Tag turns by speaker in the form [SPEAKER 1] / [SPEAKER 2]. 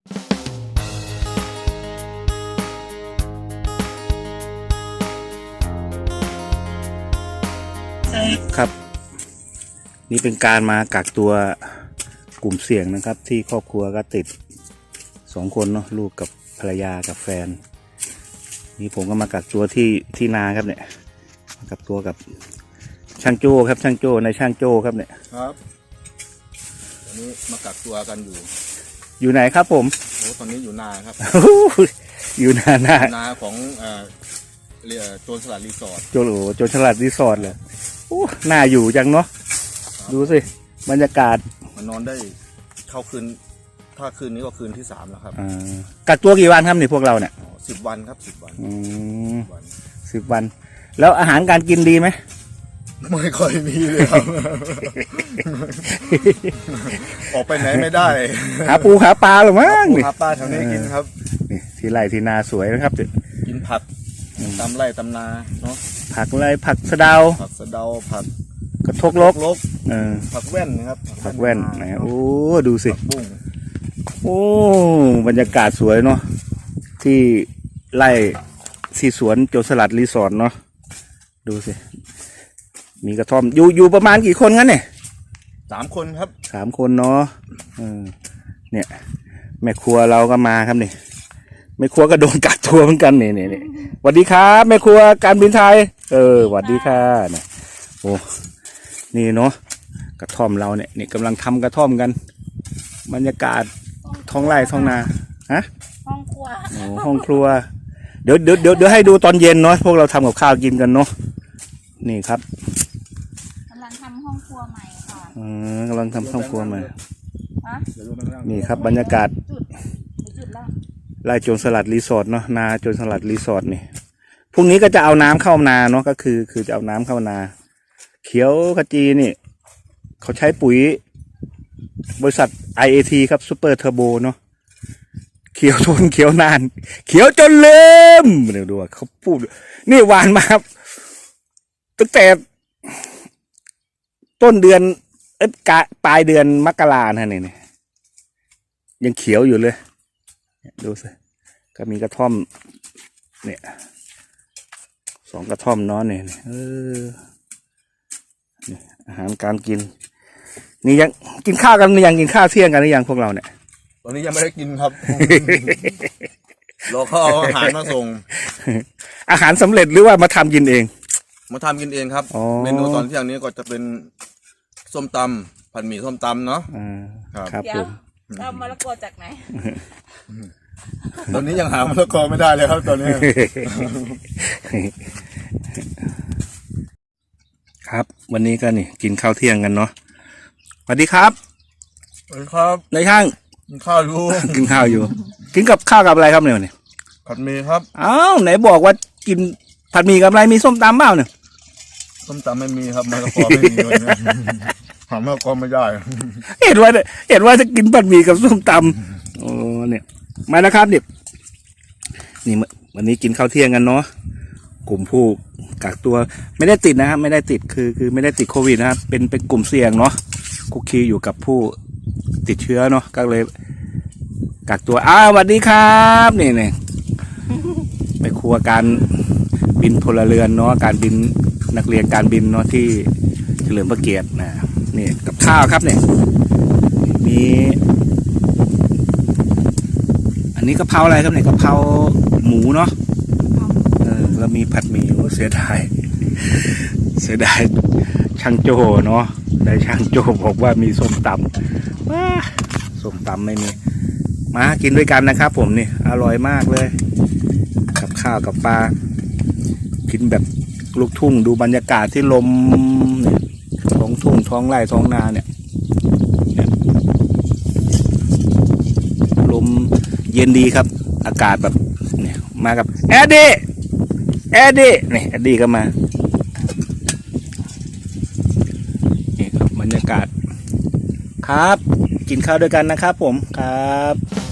[SPEAKER 1] ครับนี่เป็นการมากักตัวกลุ่มเสี่ยงนะครับที่ครอบครัวก็ติด2 คนเนาะลูกกับภรรยากับแฟนนี่ผมก็มากักตัวที่นาครับเนี่ยกักตัวกับช่างโจ้ครับช่างโจ้ในช่างโจ้ครับเนี่ย
[SPEAKER 2] ครับตอนนี้มากักตัวกัน
[SPEAKER 1] อยู่ไหนครับผม
[SPEAKER 2] โอ้ตอนนี้อยู่นาครับ
[SPEAKER 1] อยู่นา
[SPEAKER 2] ของโจรสลัดรีสอร์ท
[SPEAKER 1] โจรสลัดรีสอร์ทเลยโอ้น่าอยู่จังเนาะดูสิบรรยากาศ
[SPEAKER 2] มันนอนได้เข้าคืนถ้าคืนนี้ก็คืนที่3แล้วครับ
[SPEAKER 1] กักตัวกี่วันครับนี่พวกเราเนี่ย
[SPEAKER 2] 10 วันครับ10 วัน
[SPEAKER 1] 10 วันแล้วอาหารการกินดีไหม
[SPEAKER 2] ไม่ค่อยมีเลยครับ ออกไปไหนไม่ได้
[SPEAKER 1] หาปูหาปลาหรือมั้ง
[SPEAKER 2] หาปลาแถวนี้กินครับ
[SPEAKER 1] นี่ที่ไร่ที่นาสวยนะครับ
[SPEAKER 2] กินผักตามไร่ตามนาเนาะ
[SPEAKER 1] ผักอะไรผักสะเดา
[SPEAKER 2] ผัก
[SPEAKER 1] กระทกลก
[SPEAKER 2] ผักแว่นนะครับ
[SPEAKER 1] ผักแว่นนะโอ้ดูสิ
[SPEAKER 2] บุ้ง
[SPEAKER 1] โอ้บรรยากาศสวยเนาะที่ไร่ที่สวนโจรสลัดรีสอร์ทเนาะดูสิมีกระท่อมอยู่ประมาณกี่คนงั้นเนี่ย
[SPEAKER 2] 3 คนครับ
[SPEAKER 1] 3 คนเนาะเนี่ยแม่ครัวเราก็มาครับนี่แม่ครัวก็โดนกักตัวเหมือนกันนี่สวัสดีครับแม่ครัวการบินไทยสวัสดีค่ะเนี่ยโอ้นี่เนาะกระท่อมเราเนี่ยนี่กำลังทำกระท่อมกันบรรยากาศท้องไร่ท้องนาฮะ
[SPEAKER 3] ห้องครัว
[SPEAKER 1] ห้องครัวเดี๋ยวให้ดูตอนเย็นเนาะพวกเราทำกับข้าวกินกันเนาะนี่ครับ
[SPEAKER 3] กำลังทำห้องครัวใหม่ค่ะ
[SPEAKER 1] กำลังทำห้องครัวใหม่นี่ครับบรรยากาศไร่โจรสลัดรีสอร์ทเนาะนาโจรสลัดรีสอร์ทนี่พรุ่งนี้ก็จะเอาน้ำเข้านาเนาะก็คือจะเอาน้ำเข้านาเขียวขจีนี่เขาใช้ปุ๋ยบริษัท IAT ครับซูเปอร์เทอร์โบเนาะเขียวทนเขียวนานเขียวจนลืมเดี๋ยวดูเขาพูดนี่หวานมาครับตั้งแต่ต้นเดือนปลายเดือนมกรานะเนี่ยยังเขียวอยู่เลยดูสิก็มีกระท่อมเนี่ย2 กระท่อมเนาะเนี่ยอาหารการกินนี่ยังกินข้าวกันหรือยังกินข้าวเที่ยงกันหรือยังพวกเราเนี่ย
[SPEAKER 2] ตอนนี้ยังไม่ได้กินครับ รอเขาเอาอาหารมาส่ง
[SPEAKER 1] อาหารสำเร็จหรือว่ามาทำกินเอง
[SPEAKER 2] มาทำกินเองครับเมนูตอนเที่ยงนี้ก็จะเป็นส้มตำผัดหมี่ส้มตำเนาะ
[SPEAKER 1] ครับผม
[SPEAKER 3] เอามะละกอจากไหน
[SPEAKER 2] ตอนนี้ยังหามะละกอไม่ได้เลยครับตอนนี้
[SPEAKER 1] ครับวันนี้ก็นี่กินข้าวเที่ยงกันเนาะสวัสดีครับ
[SPEAKER 2] สวัสดีครับ
[SPEAKER 1] นายช่าง
[SPEAKER 2] กินข้าวอยู่
[SPEAKER 1] กินข้าวอยู่กินกับข้าวกับอะไรครับเนี่ย
[SPEAKER 2] ผัดหมี่ครับ
[SPEAKER 1] อ้าวไหนบอกว่ากินผัดหมี่กับอะไรมีส้มตำเปล่าเนี่ย
[SPEAKER 2] ส้มตำไม่มีครับมะละกอไม่มีเลยหามะละกอไม่ได้
[SPEAKER 1] เห็นว่าจะกินผัดหมี่กับส้มตำโอ้เนี่ยมานะครับนี่วันนี้กินข้าวเที่ยงกันเนาะกลุ่มผู้กักตัวไม่ได้ติดนะครับไม่ได้ติดคือไม่ได้ติดโควิดนะครับเป็นกลุ่มเสี่ยงเนาะคุกคีอยู่กับผู้ติดเชื้อเนาะก็เลยกักตัวสวัสดีครับนี่ไปครัวการบินพลเรือนเนาะการบินนักเรียนการบินเนาะที่เฉลิมพระเกียรตินะนี่กับข้าวครับเนี่ยมีอันนี้กะเพราอะไรครับเนี่ยกะเพราหมูเนาะแล้วมีผัดหมี่เสียดายช่างโจเนาะได้ช่างโจบอกว่ามีส้มตำส้มตำไม่มีมากินด้วยกันนะครับผมนี่อร่อยมากเลยกับข้าวกับปลากินแบบลูกทุ่งดูบรรยากาศที่ลมเนี่ยท้องทุ่งท้องไร่ท้องนาเนี่ยลมเย็นดีครับอากาศแบบเนี่ยมากับแอดดี้นี่แอดดี้ก็มานี่ครับบรรยากาศครับกินข้าวด้วยกันนะครับผมครับ